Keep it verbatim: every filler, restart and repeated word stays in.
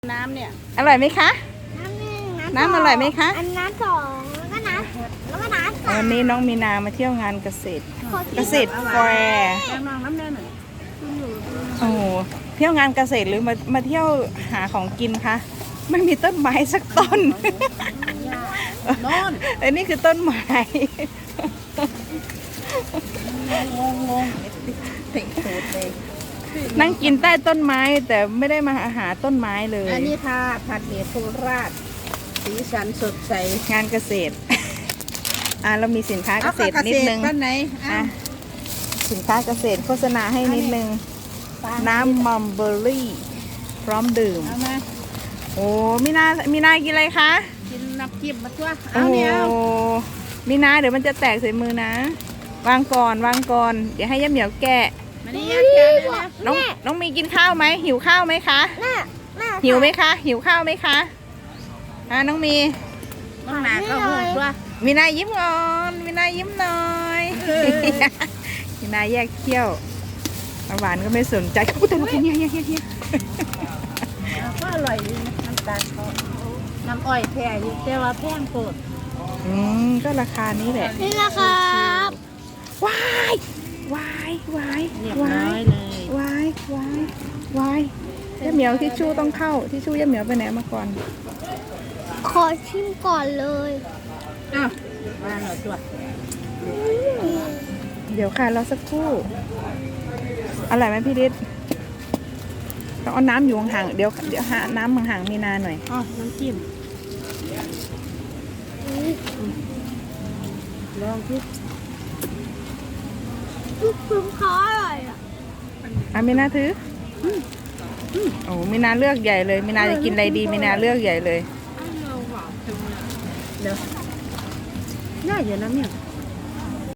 น้ำเนี่ยอร่อยไหมคะน้ำหนึ่งน้ำอร่อยไหมคะอันน้ำสองแล้วก็น้ำแล้วก็น้ำสามวันนี้น้องมีนามาเที่ยวงานเกษตรขอกินเกษตรแฟร์แกงนองน้ำแน่หน่อยโอ้โหเที่ยวงานเกษตรหรือมามาเที่ยวหาของกินคะไม่มีต้นไม้สักต้นนอนอันนี้คือต้นไม้งงงงติดตูดเลยนั่งกินใต้ต้นไม้แต่ไม่ได้มาหาต้นไม้เลยอันนี้ทาผัดเห็ดโคราชสีสันสดใสงานเกษตร อ่าเรามีสินค้าเกษตรนิดนึงบ้านไหนอ่ะสินค้าเกษตรโฆษณาให้นิดนึง น้ำมัมเบอร์รี่ พร้อมดื่มเอามาโอ้มีนามีนากินอะไรคะกินน้ำจิ้มมาตัวโอ้เอาเนี่ยเอามีนาเดี๋ยวมันจะแตกใส่มือนะ วางก่อนวางก่อน เดี๋ยวให้ย่าเหมียวแกะมานี่ยาแกเลยนะน้องน้องมีกินข้าวไหมหิวข้าวไหมคะแม่แม่หิวไหมคะ หิวข้าวไหมคะอ่าน้องมีต้องหนาก็หูตัวมีนายิ้มก่อนมีนายิ้มหน่อย มีนาแยกเขี้ยวหวานก็ไม่สนใจอุ้ยแต่เราเป็นเฮียเฮียเฮียเฮียก็อร่อยดีนะน้ำตาลเขาน้ำอ้อยแท้อยู่แต่ว่าแพงโกดอืมก็ราคานี้แหละนี่นะครับว้ายวายวายเรียบวาร้อย ยเลยวายวายวายย่าเหมียวทิชชู่ต้องเข้าทิชชู่ย่าเหมียวไปไหนมาก่อนขอชิมก่อนเลยอ้าวมาหน่อยตัวเดี๋ยวค่ะรอสักครู่อร่อยไหมพี่ฤทธิ์ต้องเอาน้ำอยู่ห่างๆเดี๋ยวเดี๋ยวหาน้ำห่างๆมีนาหน่อยอ๋อน้ำจิ้มลองที่ลูกชุบเขาอร่อยอ่ะอ่ะมีนาถืออโอ้มีนาเลือกใหญ่เลยมีนาจะกินอะไรดีมีนาเลือกใหญ่เลยเดี๋ยวง่ายอยู่นะเนี่ยอ